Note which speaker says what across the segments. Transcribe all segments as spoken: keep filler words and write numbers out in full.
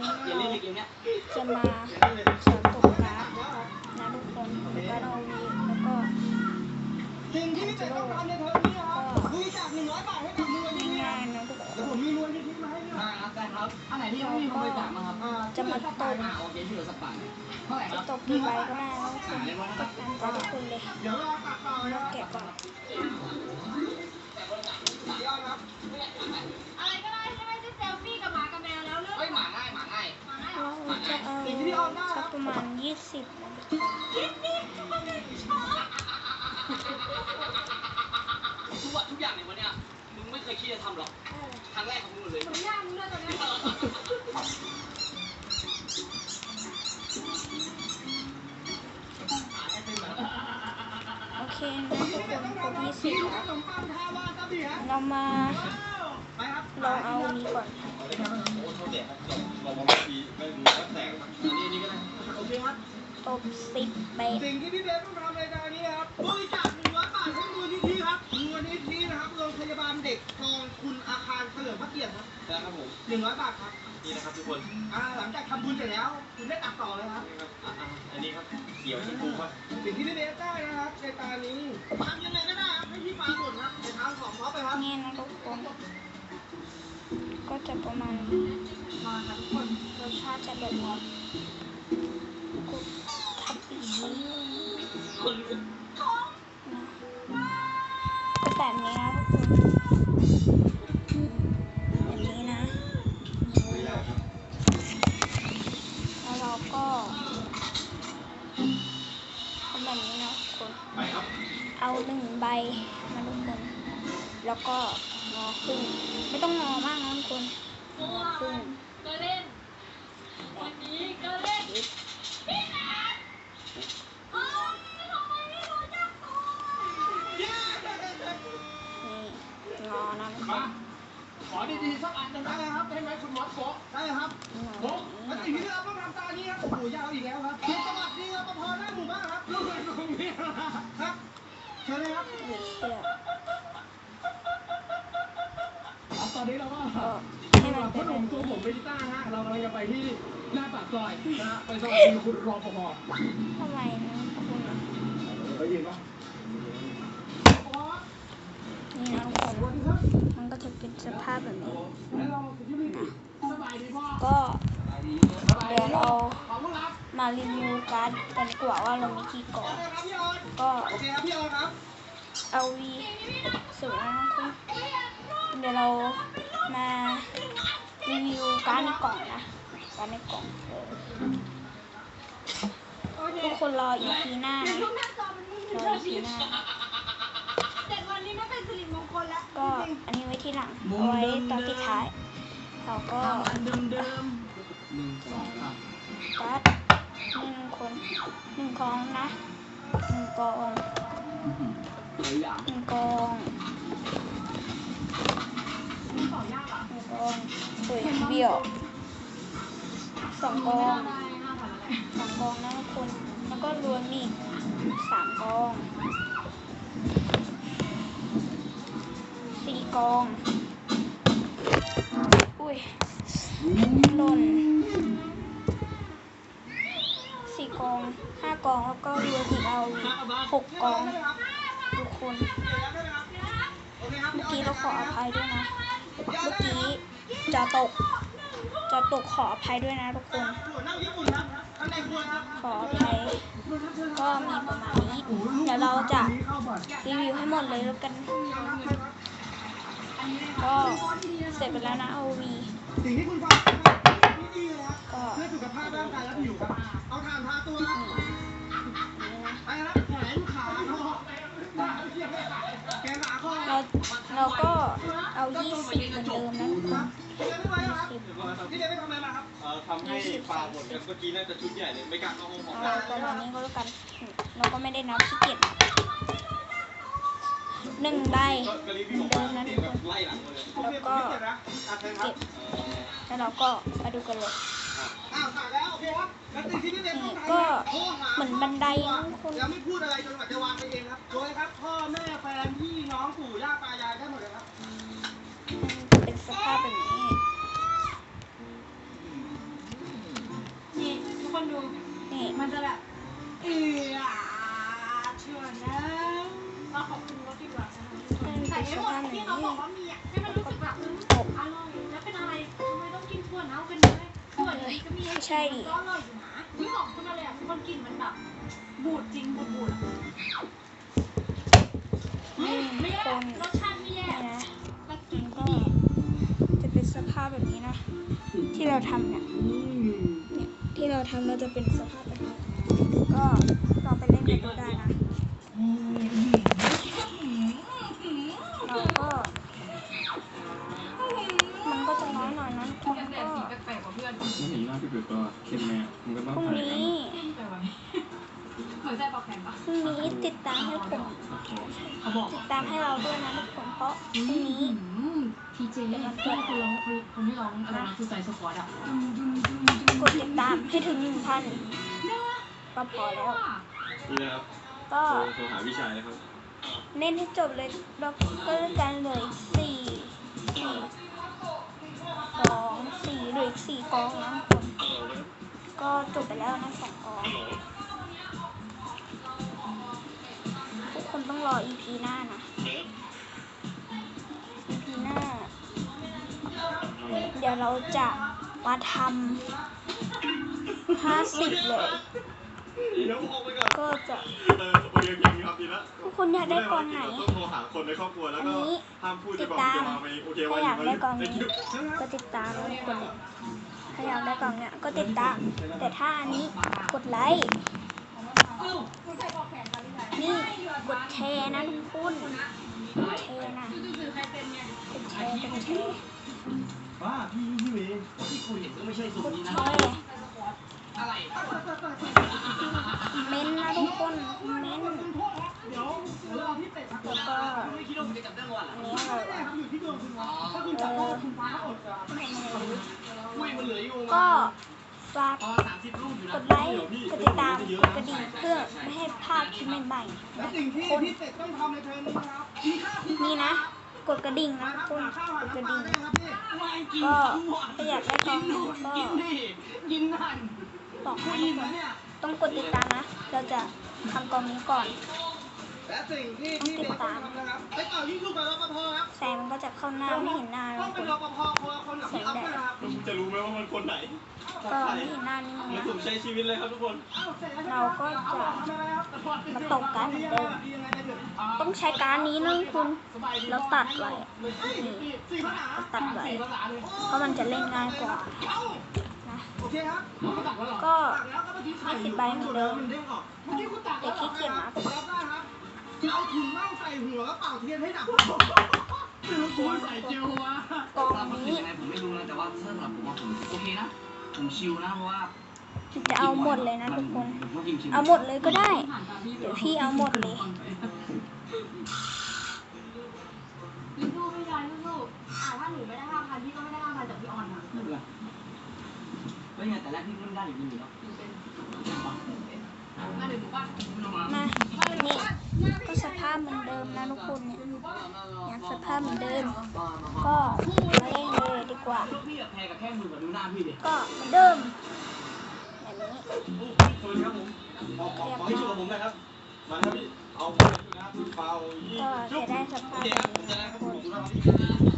Speaker 1: นี้เราจะมาสอนตกการ์ดนะทุกคนการ์ดเอาวีแล้วก็
Speaker 2: สิ่งที่พี่เป็ดต้องการในเทอมนี้ครับบริจาคหนึ่งร้อยบาทให้กับมูลนิธิ
Speaker 1: ง่ายๆนะทุกคน
Speaker 2: เดี๋ยวผมมีมูลนิธิมาให้ด้วย
Speaker 3: ได้ครับได้ครับอันไหนที่ยังไม่มีคนบริจาคมาครับ
Speaker 1: จะมาตก
Speaker 3: อ่าโอเคที่เหลือสักบาทเท่าไหร่ค
Speaker 1: จะ
Speaker 3: รับ
Speaker 1: ตกกี่ใบก็ได้นะทุกคนตกตามใจทุกคนเลย
Speaker 2: เดี๋ยวรอตัดต่อเลยครับ
Speaker 1: แกะก่อน
Speaker 4: อะไรก็ได้ใช่ไหมที่เซลฟี่กับหมากับแมวแล้วเรื่อง
Speaker 3: เฮ้ยหมาง่ายหมาง่าย
Speaker 4: หมาได้
Speaker 1: เราจะเอาสักประมาณยี่สิบ
Speaker 3: ทุกวันทุกอย่างในวันเนี้ยมึงไม่เคยคิดจะทำหรอกครั้งแรกของมึงเลย
Speaker 4: เหมือนย่างมึงเลยตอนนี้
Speaker 1: โอเคนะทุกคนครบยี่สิบแล้ว
Speaker 2: ขนมปังทาวาซาบิฮะ
Speaker 1: เรามา
Speaker 2: ไปครับ
Speaker 1: ลองเอานี้ก่อน
Speaker 5: โอ้โทษเด็กครับเราบางทีไม่รู้ว่าแตกครับ
Speaker 3: อันนี้นี่ก็ได้
Speaker 2: โอเคครับ
Speaker 1: ตบสิบใบ
Speaker 2: สิ่งที่พี่เบสต้องทำในตอนนี้ครับบริจาคหนึ่งร้อยบาทให้มูลนิธิครับมูลนิธินะครับโรงพยาบาลเด็กคลองคุณอาคารเฉลิมพระเกียรติครับ
Speaker 5: ได้ครับผม
Speaker 2: หนึ่งร้อยบาทครับ
Speaker 5: นี่นะครับทุกคน
Speaker 2: อ่าหลังจากทำบุญเสร็จแล้วคุณได้ตัดต่อเลยครับ
Speaker 5: นี่ครับอ่ะอ่ะอันนี้ครับเขียวชมพูครับ
Speaker 2: สิ่งที่พี่เบสได้นะครับในตอนนี้ทำยังไงก็ได้ครับให้พี่ฟ้าหมดครับในทางของเขาไปครับ
Speaker 1: นี่นะทุกคนก็จะประมาณ
Speaker 2: มาครับทุกคน
Speaker 1: รสชาติจะแบบนี้กุทับปีชีนะก็แบบนี้นะทุกคนแบบนี้นะแล้วเราก็ทำแบบนี้นะทุกคน
Speaker 5: ไปครับ
Speaker 1: เอาหนึ่งใบมาทุกคนแล้วก็งอขึ้นไม่ต้องงอมากนะทุกคนงอขึ้น
Speaker 4: ก็เล่นวันนี้ก็เล่นพี่นัทเอ้ยทำไมไม่รู้จักตัว
Speaker 1: นี่งอนะทุกคน
Speaker 2: ขอดีๆสักอันหนึ่งได้ครับได้ไหมคุณมอสโกได้ครับ
Speaker 1: งอ
Speaker 2: โอ้แล้วสิ่งที่เราต้องทำตอนนี้ครับโอ้โหยาวอีกแล้วครับเขตจังหวัดนี้ครับปภหน้าหมู่บ้านครับลูกเรือตรงนี้ครับเชิญเลยครับ
Speaker 1: เหลือเชื่อ
Speaker 2: ครับตอนนี้เราก็
Speaker 1: ก็ให้มัน
Speaker 2: พ่
Speaker 1: เป็
Speaker 2: อน ห
Speaker 1: แบ
Speaker 2: นุ่ม
Speaker 1: บ
Speaker 2: ตัว
Speaker 1: นี้
Speaker 2: ผมเบจิต้าฮะเรากำลังจะไปที่หน้าปากซอยนะฮะไปสวัสดีคุณรปภ
Speaker 1: ทำไมนะคุณ
Speaker 2: ไปยิงปะ
Speaker 1: นี่นะทุกคนมันก็จะเป็นสภาพแบบนี้
Speaker 2: แล้วเราที่นี่สบายดีพ่อ
Speaker 1: ก็เดี๋ยวเรา
Speaker 2: ขอบคุณครับ
Speaker 1: มารีวิวการ์ดกันดีกว่าว่าเรามีกี่กล่อง
Speaker 2: โอเคครับพี่ออน
Speaker 1: ก็
Speaker 2: โอเคครับพี่ออนครับ
Speaker 1: เอาวีสุดแล้วนะคุณเดี๋ยวเรามารีวิวการ์ดในกล่องนะการ์ดในกล่องเออทุกคนรออีพีหน้านะ
Speaker 4: ทุกหน้าจอมันมึน
Speaker 1: รออีพีหน้า
Speaker 4: เจ็ดวันนี้ไม่เป็นสิริมงคลแล้ว
Speaker 1: ก็อันนี้ไว้ที่หลังเอาไว้ตอนที่ท้ายเราก็
Speaker 2: เดิมเดิม
Speaker 3: หนึ่งสองสาม
Speaker 1: การ์ดหนึ่งคนหนึ่งกองนะหนึ่งกอง
Speaker 3: หลายอย่าง
Speaker 1: หนึ่งกองหนึ่งกองสวยเบี้ยวสองกองสองกองนะทุกคนแล้วก็รวมอีกสามกองสี่กองอุ้ยหล่นสี่กองห้ากองแล้วก็รวมอีกเอาหกกองทุกคนเมื่อกี้เราขออภัยด้วยนะเมื่อกี้จะตกจะตกขออภัยด้วยนะทุกคน
Speaker 2: นั่งญี่ปุ่นครับข้างในครัวครับ
Speaker 1: ขออภัยก็มีประมาณนี้เดี๋ยวเราจะรีวิวให้หมดเลยแล้วกันก็เสร็จไปแล้วนะ เอา วี
Speaker 2: สิ่งที่คุณฟังนี่ดีเลยครับ
Speaker 1: ก็
Speaker 2: เพื่อสุขภาพร่างกายและผิวครับเอาถ่านทาตัวครับไปครับแขนขาคอแขนขาคอ
Speaker 1: เราเราก็เอายี่สิบเหมือนเดิมนะทุกคน
Speaker 2: พี่เบนไม่ไหวครับ
Speaker 1: สิบ
Speaker 2: พี่เบนไม่ทำอะไรมาครับ
Speaker 5: เอ่อทำให้ปลาหมดกันเมื่อกี้น่าจะชุดใหญ่เลยไม่กล้าเข้าห้องหมอ
Speaker 1: เอาประมาณนี้ก็แล้วกันเราก็ไม่ได้นับขี้เกียจหนึ่งใบ
Speaker 5: ก็รีวิว
Speaker 1: เหมื
Speaker 5: อ
Speaker 1: อ
Speaker 5: อน ก
Speaker 1: เดิ
Speaker 5: มาม
Speaker 1: นะ
Speaker 5: เสี
Speaker 1: ทุ
Speaker 5: ยง
Speaker 1: ก
Speaker 5: แบ
Speaker 1: คน
Speaker 5: บไล่หลังเลย
Speaker 2: โอเคผมไม่เจ็บนะอ่ะเชิญครับ
Speaker 1: เก็บแล้วเราก็มาดูกันเลย
Speaker 2: อ้าวขาดแล้วโอเคครับแล้วสิ่งที่พี่เบนต้องทำ
Speaker 1: ก็
Speaker 2: โทรหา
Speaker 1: เหมือนบันไดนะทุกคน
Speaker 2: แล้วไม่พูดอะไรจนกว่าจะวางไปเองครับโดยครับพ่อแม่แฟนพี่น้องปู่ย่าตายายได้หมดเลยครับ
Speaker 1: มันเป็นสภาพแบบนี้
Speaker 4: ดู
Speaker 1: นี่
Speaker 4: มันจะแบบเออชวนนะเราขอบคุณรถดีกว่าใส่ให้หมดที่เขาบอกว่ามีอ่ะให้มันรู้สึกแบบอร่อยแล้วเป็นอะไรทำไมต้องกินถั่วเน่ากันด้วยถั่วเลยก็มีก็อร่อยอยู่นะไม่บอกคุณอะไรอ่ะคนกินมันแบบบูดจริงบูดบูด
Speaker 1: นี่
Speaker 4: ไม่
Speaker 1: ค
Speaker 4: แย่
Speaker 1: น
Speaker 4: รสชาติไม่แย่
Speaker 1: นี่นะ
Speaker 4: แล้วกิ
Speaker 1: มัน น
Speaker 4: ก็
Speaker 1: ก็จะเป็นสภาพแบบนี้นะ ที่เราทำเนี่ยเนี่ยที่เราทำเราจะเป็นสภาพแบบนี้ก็ลองไปเล่นกันดูได้นะเราก็มันก็จะน้อยหน่อยนะทุกคนก็
Speaker 4: แปลกๆกว่าเพื่อน
Speaker 5: ไม่เห็นหน้าพี่เปิดตัวเค็มแม่มันก็ต้อง
Speaker 1: พรุ่ง
Speaker 5: ถ่ายกัน
Speaker 1: นี้
Speaker 4: แต่ว่าเหมือนใจปอกแข็งปะ
Speaker 1: พรุ่งนี้ติดตามให้ผม
Speaker 4: เขาบอก
Speaker 1: ติดตามให้เราด้วยนะทุกคนเพราะพรุ่งนี้
Speaker 4: ทีเจที่คนร้องคนที่ร้องอะไรนะคือใจสควอตอ่ะ
Speaker 1: กดติดตามให้ถึงหนึ่งพันก็พอแล้ว
Speaker 5: นี่นะครับ
Speaker 1: ก็
Speaker 5: โทรโทรหาพี่ชายนะครับ
Speaker 1: เล่นให้จบเลยเราก็เล่นกันเหลยสี่สี่สองสี่เหลืออีกสี่กองนะทุกคนก็จบไปแล้วนะสองกองทุกคนต้องรอ อี พี หน้านะ อี พี หน้า เดี๋ยวเราจะมาทำห้าสิบเลย
Speaker 5: เดี๋ยวผมออกไปก่อน
Speaker 1: ก็จะ
Speaker 5: เออโอเคโอเคครับดีละ
Speaker 1: ทุกคนอยากได้กองไหน
Speaker 5: ต้องโทรหาคนในครอบครัวแล้ว
Speaker 1: อัน
Speaker 5: ก็
Speaker 1: นี้
Speaker 5: ห้ามพูด
Speaker 1: ติ
Speaker 5: จะ
Speaker 1: ด
Speaker 5: บอก
Speaker 1: ตาม
Speaker 5: จะมาไหมโอเค
Speaker 1: ถ้า
Speaker 5: ว่า
Speaker 1: อยากได้กองนี้
Speaker 5: คิว
Speaker 1: ก็ติดตามทุกคนถ้าอยากได้กองเนี้ยก็ติดตาม แต่ถ้าอันนี้กดไลค์นี่กดแชร์นะทุกคนกดแชร์นะกดแชร์กดแชร์
Speaker 5: ป้าพี่พี่เว
Speaker 3: ที่กูเห็นก็ไม่ใช่สู
Speaker 1: ก
Speaker 3: ตร
Speaker 1: ด
Speaker 3: นี้
Speaker 1: แช
Speaker 3: นะ
Speaker 1: ร์
Speaker 3: อะไร
Speaker 1: เม้นต์นะทุกคนเม้นต์
Speaker 2: เดี๋ยวเดี๋ยวรอพี่เป็ดครับ
Speaker 1: แล้วก็
Speaker 3: ไม่คิดว่ามึงจะจับได้ก่อนเหร
Speaker 1: อั
Speaker 3: อน
Speaker 1: นี้อะไร
Speaker 2: แม่
Speaker 1: วะ
Speaker 2: ครับอยู่ที่ดวงคุณนะถ้าคุณจับได้คุณฟ้าอดจะ
Speaker 3: อุ้ยมันเหลืออยู่
Speaker 1: ก็ฝาก
Speaker 3: อ๋อสามสิบลูกอยู่
Speaker 1: ก
Speaker 3: นะ
Speaker 1: ดไลค์กดติดตามกดกระดิ่งเพื่อไม่ให้พลาดคลิปใหม่
Speaker 2: และสิ่งที่พี่เป็ดต้องทำในเทอมนี้นะครับมีค่าคุณ
Speaker 1: ๆนี่นะ กดกระดิ่งนะ
Speaker 2: นะค
Speaker 1: ทุ
Speaker 2: รั
Speaker 1: ก
Speaker 2: บ
Speaker 1: คน
Speaker 2: หาข้าวหาก
Speaker 1: ดกระ
Speaker 2: น้ำปลา
Speaker 1: ดิ่ง
Speaker 2: ได้ครับพี่
Speaker 1: ก็ถ้าอยากได้กองไหนก็
Speaker 3: กินดิกินนั่น
Speaker 1: บอกให้
Speaker 2: กิ
Speaker 1: ทุ
Speaker 2: น
Speaker 1: กคน
Speaker 2: นะเนี่ย
Speaker 1: ต้องกดติดตามนะ เราจะทำกองนี้ก่อน
Speaker 2: และสิ่งที่พี่เป็ดต้องทำนะครับไปต่อที่ลูกกับรปภครับ
Speaker 1: แสงมันก็จะเข้าหน้าไม่เห็นหน้า
Speaker 2: ต้
Speaker 1: ทุ
Speaker 2: อง
Speaker 1: กค
Speaker 2: เป็น
Speaker 1: น
Speaker 2: รปภคนละคนกับพี่อ๊อฟนะครับ
Speaker 5: มึงจะรู้ไหมว่ามันคนไหน
Speaker 1: ก็ไม่เห็นหน้านี่มึง
Speaker 5: เหมือน
Speaker 1: นะ
Speaker 5: ผมใช้ชีวิตเลยครับทุกคน
Speaker 1: เราก็จะมาตกกันเหมือนเดิม ต้องใช้การนี้นะทุกคนเราตัดไว้นี่เราตัดไว้เพราะมันจะเล่นง่ายกว่านะ
Speaker 2: โอเคครับ
Speaker 1: ก็
Speaker 2: ตักแล้วก็เมื่อกี้ไข่
Speaker 1: ยี่สิบใบเหมือนเดิม
Speaker 2: มันเด้งออกเมื่อกี้คุณตัก
Speaker 1: แต่ขี้เกียจนะ
Speaker 2: รับได้ครับเอาถุงเน่าใส่หัวแล้วเป่าเทียนให้ดับคือคุณใส่เจลวะ
Speaker 1: กอง
Speaker 3: มัน
Speaker 1: นี้
Speaker 3: ยังไงผมไม่รู้นะแต่ว่าสำหรับผมว่าผมโอเคนะผมชิลนะเพราะว่า
Speaker 1: จะเอาหมดเลยนะทุกคน
Speaker 3: ผมก็กินชิล
Speaker 1: เอาหมดเลยก็ได้ เดี๋ยวพี่เอาหมดเลย
Speaker 4: ลูกๆไม่ได้ลูกๆอ่าถ้าหนูไม่ได้ห้าพันพี่ก็ไม่ได้ห้าพันจากพี่ออนนะ
Speaker 3: ไม่เป็นไรแล้วยังไงแต่แรกพี่เพิ่งได้อยู่ดีอยู่แล้ว
Speaker 4: มาเดี๋ยวหนูว่า
Speaker 1: มานี่ก็สภาพเหมือนเดิมนะทุกคนเนี่ยยังสภาพเหมือนเดิม ก็มาเล่นเลยดีกว่า
Speaker 3: ลูกพี่อะแพรกับแค่มือกับดูหน้าพี่ดิ
Speaker 1: ก็เหมือนเดิมแบบนี้
Speaker 5: สวัสดีครับผมขอขอขอให้ช่วยกับผมหนะครับ มาครับพี่ เอาไปนะครับพี่เปายี่
Speaker 1: ก็
Speaker 5: จุ๊
Speaker 1: จะ
Speaker 5: บ
Speaker 1: ได้สภา
Speaker 5: โอ
Speaker 1: พ
Speaker 5: เค
Speaker 1: แบ
Speaker 5: ครับ
Speaker 1: บ
Speaker 5: ผม
Speaker 1: นี้
Speaker 5: จะได้
Speaker 1: นะ
Speaker 5: ค
Speaker 1: ทุ
Speaker 5: รับ
Speaker 1: ก
Speaker 5: ผ
Speaker 1: ค
Speaker 5: ม
Speaker 1: น
Speaker 5: ดู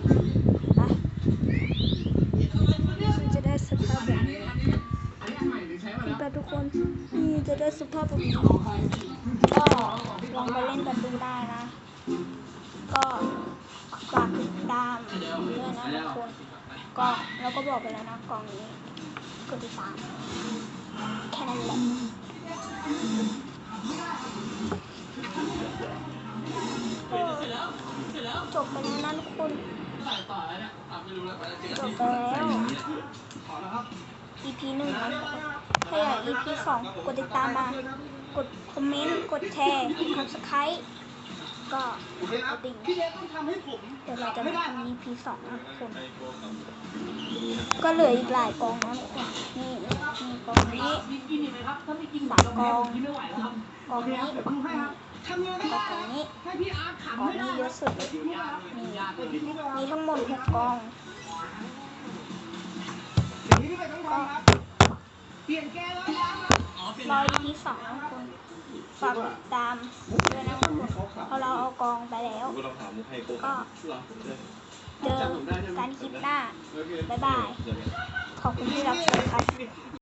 Speaker 5: นะครับ
Speaker 1: ไปจะได้สภาพแบบนี้นี่ไปทุกคนนี่จะได้สภาพแบบนี้ก็ลองไปเล่นกันดูได้นะ ก็ฝากติดตามด้วยนะทุกคนก็เราก็บอกไปแล้วนะกล่องนี้กดติดตามแค่นั้นแหละก็จบไปแล้วนะทุกคนจบไปแล้ว อี พี หนึ่งนะถ้าอยาก อี พี สองกดติดตามมา กดคอมเมนต์ กดแชร์ กด ซับสไครบ์ ก็
Speaker 2: โอเค
Speaker 1: ก
Speaker 2: ครับ
Speaker 1: ดดิ่ง
Speaker 2: พี่เล็กต้องทำให้ผม
Speaker 1: เดี๋ยวเราจะมาทำ อี พี สองนะทุกคน
Speaker 5: ไอ้โกงครับ
Speaker 1: ก็เหลืออีกหลายกองนะทุกคนนี่มีกองนี้
Speaker 4: กินอีกไหมครับถ้าไม่กิน
Speaker 1: สามกอง
Speaker 4: กินไม่ไหวแล้วครับ
Speaker 1: กองนี้
Speaker 2: เดี๋ยวดูให้ครับทำยังไง
Speaker 1: ก็
Speaker 2: ก็
Speaker 1: กองนี้
Speaker 2: ให้พี่อาร์ตขัน
Speaker 1: กอง
Speaker 2: ให้ได้
Speaker 1: นี้เยอะสุดเลย
Speaker 2: นี่
Speaker 1: มีทั้งหมดหกกอง
Speaker 2: สิ่งที่พี่เป็ดต้องทำครับเปลี่ยนแกแล้วนะ
Speaker 1: รอ อี พี สองทุกคนฝากติดตามด้วยนะทุกคนเพราะเราเอากองไปแล้ว
Speaker 5: ก็ต้องถามมุกให้โก
Speaker 1: ก็
Speaker 5: หรอ
Speaker 1: เจอกันคลิปหน้า บ๊ายบาย ขอบคุณที่รับชมครับ